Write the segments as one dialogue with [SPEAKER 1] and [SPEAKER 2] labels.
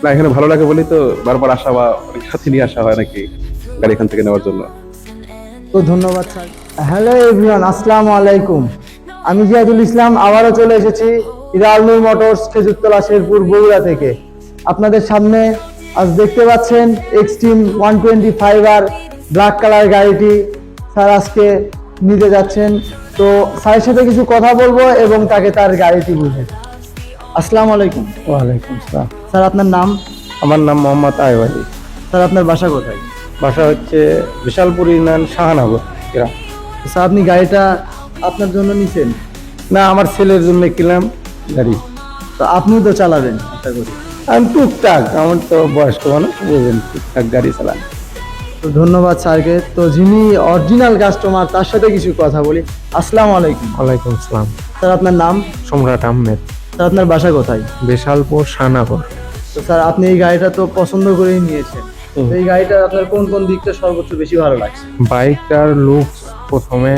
[SPEAKER 1] না, এখানে ভালো লাগে বলেই তো বারবার আসা বা অনেক সাথে নিয়ে আসা হয় নাকি গাড়ি এখান থেকে নেওয়ার জন্য।
[SPEAKER 2] তো ধন্যবাদ স্যার। হ্যালো এভরিওয়ান, আসসালামু আলাইকুম। আমি জিয়াদুল ইসলাম আবারও চলে এসেছি ইরালনুর মোটরস খেজুরতলা শেরপুর বগুড়া থেকে। আপনাদের সামনে আজ দেখতে পাচ্ছেন এক্সট্রিম 125R ব্ল্যাক কালার গাড়িটি স্যার আজকে নিতে যাচ্ছেন। তো স্যারের সাথে কিছু কথা বলবো এবং তাকে তার গাড়িটি বুঝে। আসসালামু আলাইকুম।
[SPEAKER 3] ওয়ালাইকুম আসসালাম।
[SPEAKER 2] স্যার আপনার নাম?
[SPEAKER 3] আমার নাম মোহাম্মদ আয়ব আলী।
[SPEAKER 2] স্যার আপনার বাসা কোথায়?
[SPEAKER 3] বাসা হচ্ছে বিশালপুর ইউনিয়ন শাহনগর গ্রাম।
[SPEAKER 2] স্যার আপনি গাড়িটা আপনার জন্য নিছেন?
[SPEAKER 3] না, আমার ছেলের জন্য কিনলাম গাড়ি।
[SPEAKER 2] তো আপনিও তো চালাবেন আশা করি।
[SPEAKER 3] আমি টুকটাক, আমার তো বয়স্ক মানুষ, বুঝলেন, টুকটাক গাড়ি চালান।
[SPEAKER 2] তো ধন্যবাদ স্যারকে। তো যিনি অরিজিনাল কাস্টমার তার সাথে কিছু কথা বলি। আসসালামু আলাইকুম।
[SPEAKER 3] ওয়ালাইকুম আসসালাম।
[SPEAKER 2] স্যার আপনার নাম?
[SPEAKER 3] সম্রাট আহমেদ,
[SPEAKER 2] স্যার আপনার বাসা কোথায়?
[SPEAKER 3] বিশালপুর শাহনগর।
[SPEAKER 2] তো স্যার আপনি এই গাড়িটা তো পছন্দ করেই নিয়েছেন। তো এই গাড়িটা আপনার কোন কোন দিকটা সর্বোচ্চ বেশি ভালো লাগছে?
[SPEAKER 3] বাইকটার লুকস প্রথমে,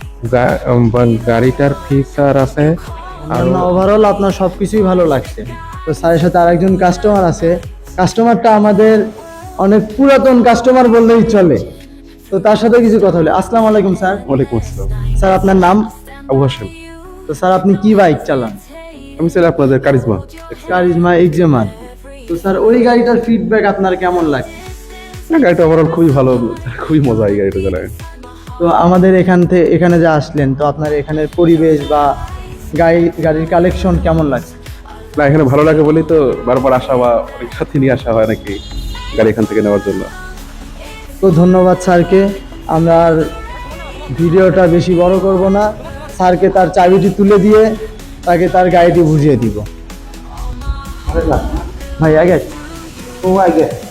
[SPEAKER 3] গাড়িটার ফিচার আছে, আর
[SPEAKER 2] ওভারঅল আপনার সবকিছুই ভালো লাগছে। তো স্যারের সাথে আরেকজন কাস্টমার আছে। কাস্টমারটা আমাদের অনেক পুরাতন কাস্টমার বললেই চলে। তো তার সাথে কিছু কথা বলি। আসসালামু আলাইকুম স্যার।
[SPEAKER 1] ওয়ালাইকুম আসসালাম।
[SPEAKER 2] স্যার আপনার নাম?
[SPEAKER 1] আবু হাসেম।
[SPEAKER 2] তো স্যার আপনি কি বাইক চালান?
[SPEAKER 1] আমি চাই আপনাদের কারিজমা।
[SPEAKER 2] কারিজমা এক্সেমার। তো স্যার ওই গাড়িটার ফিডব্যাক আপনার কেমন লাগে?
[SPEAKER 1] না, গাড়িটা ওভারঅল খুবই ভালো, খুবই মজা এই গাড়িটা চালায়।
[SPEAKER 2] তো আমাদের এখানে যে আসলেন, তো আপনার এখানের পরিবেশ বা গাড়ির কালেকশন কেমন লাগছে?
[SPEAKER 1] না, এখানে ভালো লাগে বলেই তো বারবার আসা বা অনেক সাথে নিয়ে আসা হয় নাকি গাড়ি এখান থেকে নেওয়ার জন্য।
[SPEAKER 2] তো ধন্যবাদ স্যারকে। আমরা আর ভিডিওটা বেশি বড় করব না। স্যারকে তার চাবিটি তুলে দিয়ে তাকে তার গাড়িটি বুঝিয়ে দিব। ভাই আগে ও আগে